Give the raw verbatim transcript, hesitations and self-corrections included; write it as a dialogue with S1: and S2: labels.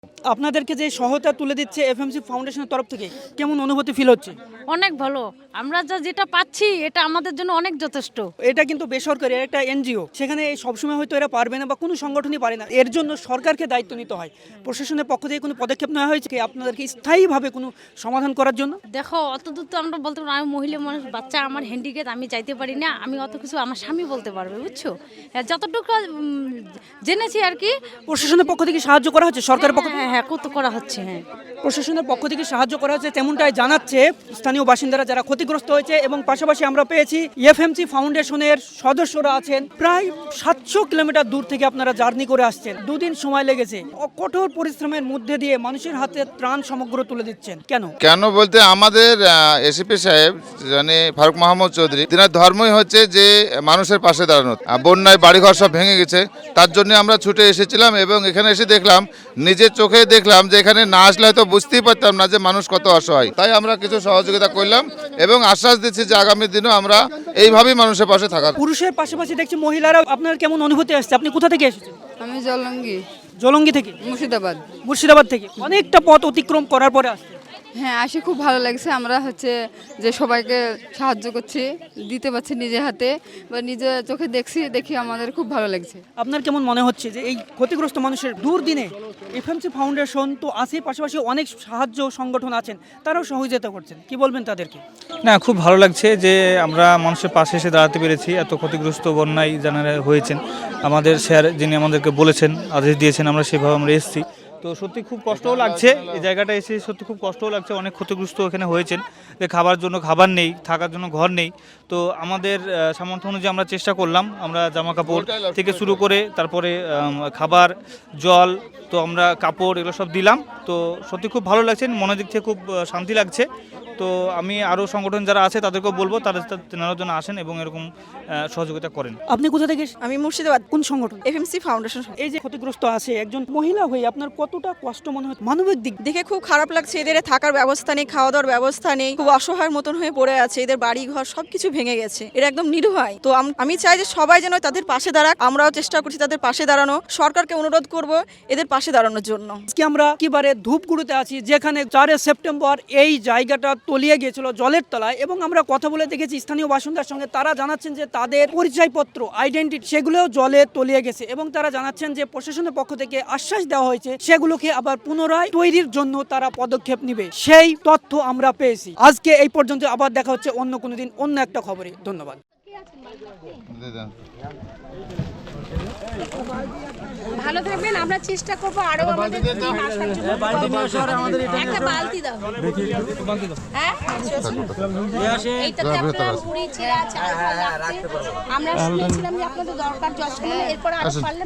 S1: আপনাদেরকে যে সহায়তা তুলে দিচ্ছে এফএমসি ফাউন্ডেশনের তরফ থেকে কেমন অনুভূতি ফিল হচ্ছে?
S2: অনেক ভালো। আমরা যা যেটা পাচ্ছি এটা আমাদের জন্য অনেক যথেষ্ট।
S1: এটা কিন্তু বেসরকারি একটা এনজিও, সেখানে সবসময় হয়তো এরা পারবে না বা কোনো সংগঠনই পারে না। এর জন্য সরকারকে দায়িত্ব নিতে হয়। প্রশাসনের পক্ষ থেকে কোনো পদক্ষেপ নেওয়া হয়েছে কি আপনাদেরকে স্থায়ীভাবে কোনো সমাধান করার জন্য?
S2: দেখো অত দূর তো আমরা বলতে পারবো না। আমি মহিলা মানুষ, বাচ্চা আমার হ্যান্ডিক্যাপ, আমি চাইতে পারি না। আমি অত কিছু আমার স্বামী বলতে পারবে, বুঝছো? হ্যাঁ, যতটুকু উম, জেনেছি আর কি।
S1: প্রশাসনের পক্ষ থেকে সাহায্য করা হচ্ছে, সরকারের পক্ষ থেকে
S2: হ্যাঁ হ্যাঁ কত করা হচ্ছে। হ্যাঁ,
S1: প্রশাসনের পক্ষ থেকে সাহায্য করা হচ্ছে তেমনটাই জানাচ্ছে স্থানীয় বাসিন্দারা যারা ক্ষতিগ্রস্ত হয়েছে। এবং পাশাপাশি আমরা পেয়েছি এফএমসি ফাউন্ডেশনের সদস্যরা আছেন প্রায় সাতশো কিলোমিটার দূর থেকে আপনারা জার্নি করে আসছেন, দুদিন সময় লেগেছে, কঠোর পরিশ্রমের মধ্যে দিয়ে মানুষের হাতে ত্রাণ সামগ্র তুলে দিচ্ছেন। কেন
S3: কেন বলতে আমাদের এসিপি সাহেব মানে ফারুক মাহমুদ চৌধুরী, তিনার ধর্মই হচ্ছে যে মানুষের পাশে দাঁড়ানো। বন্যায় বাড়িঘর সব ভেঙে গেছে, তার জন্য আমরা ছুটে এসেছিলাম এবং এখানে এসে দেখলাম, নিজের চোখে দেখলাম যে এখানে না আসলে হয়তো বুঝতেই পারতাম না যে মানুষ কত অসহায়। তাই আমরা কিছু সহযোগিতা করলাম এবং আশ্বাস দিচ্ছি যে আগামী দিনও আমরা এইভাবেই মানুষের পাশে থাকার।
S1: পুরুষের পাশাপাশি দেখছি মহিলারা, আপনার কেমন অনুভূতি আসছে? আপনি কোথা থেকে এসেছেন?
S4: আমি জলঙ্গি,
S1: জলঙ্গি থেকে,
S4: মুর্শিদাবাদ।
S1: মুর্শিদাবাদ থেকে অনেকটা পথ অতিক্রম করার পরে আসছে।
S4: হ্যাঁ, আসে খুব ভালো লাগছে। আমরা হচ্ছে যে সবাইকে সাহায্য করছি, দিতে পারছি নিজে হাতে বা নিজে চোখে দেখছি, দেখি আমাদের খুব ভালো লাগছে।
S1: আপনার কেমন মনে হচ্ছে যে এই ক্ষতিগ্রস্ত মানুষের দুর্দিনে এফএমসি ফাউন্ডেশন তো আছে, পাশাপাশি অনেক সাহায্য সংগঠন আছেন, তারাও সহযোগিতা করছেন, কি বলবেন তাদেরকে?
S5: না, খুব ভালো লাগছে যে আমরা মানুষের পাশে এসে দাঁড়াতে পেরেছি। এত ক্ষতিগ্রস্ত বন্যায় যারা হয়েছেন, আমাদের স্যার যিনি আমাদেরকে বলেছেন, আদেশ দিয়েছেন, আমরা সেভাবে আমরা এসেছি। তো সত্যি খুব কষ্টও লাগছে এই জায়গাটা এসে, সত্যি খুব কষ্টও লাগছে। অনেক ক্ষতিগ্রস্ত এখানে হয়েছেন, যে খাবার জন্য খাবার নেই, থাকার জন্য ঘর নেই। তো আমাদের আহ, সামর্থ্য অনুযায়ী আমরা চেষ্টা করলাম, আমরা জামা কাপড় থেকে শুরু করে তারপরে আম, খাবার, জল, তো আমরা কাপড় এগুলো সব দিলাম। তো সত্যি খুব ভালো লাগছে, মনের দিক থেকে খুব আহ, শান্তি লাগছে। তো আমি আরও সংগঠন যারা আছে তাদেরকেও বলবো তারা তেনারা জন্য আসেন এবং এরকম আহ, সহযোগিতা করেন।
S1: আপনি কোথা থেকে এসেছেন?
S6: আমি মুর্শিদাবাদ,
S1: কোন সংগঠন?
S6: FMC foundation.
S1: এই যে ক্ষতিগ্রস্ত আছে একজন মহিলা হয়ে আপনার কতটা কষ্ট মনে হয় মানবিক দিক?
S6: দেখে খুব খারাপ লাগছে। এদের থাকার ব্যবস্থা নেই, খাওয়া দাওয়ার ব্যবস্থা নেই, খুব অসহায়ের মতন হয়ে পড়ে আছে। এদের বাড়ি ঘর সবকিছু ভেঙে গেছে, এরা একদম নিরুপায়। তো আম- আমি চাই যে সবাই যেন তাদের পাশে দাঁড়াক। আমরাও চেষ্টা করছি তাদের পাশে দাঁড়ানো, সরকারকে অনুরোধ করব এদের পাশে দাঁড়ানোর জন্য।
S1: আজকে আমরা একেবারে ধূপগুড়িতে আছি, যেখানে চারে সেপ্টেম্বর এই জায়গাটা তলিয়ে গিয়েছিল জলের তলায়। এবং আমরা কথা বলে দেখেছি স্থানীয় বাসিন্দার সঙ্গে, তারা জানাচ্ছেন যে তাদের পরিচয়পত্র, আইডেন্টিটি সেগুলোও জলে তলিয়ে গেছে। এবং তারা জানাচ্ছেন যে প্রশাসনের পক্ষ থেকে আশ্বাস দেওয়া হয়েছে সেগুলোকে আবার পুনরায় তৈরির জন্য তারা পদক্ষেপ নেবে, সেই তথ্য আমরা পেয়েছি। আজকে এই পর্যন্ত, আবার দেখা হচ্ছে অন্য কোনো দিন অন্য একটা খবরে। ধন্যবাদ।
S7: ভালো থাকবেন, আমরা চেষ্টা করবো আরো আমাদের আসার জন্য। একটা বালতি দাও। হ্যাঁ, এইটাতে আপনারা মুড়ি, চিড়া, চাল রাখতে। আমরা শুনেছিলাম যে আপনাদের দরকার জল, এরপর আরো পারলে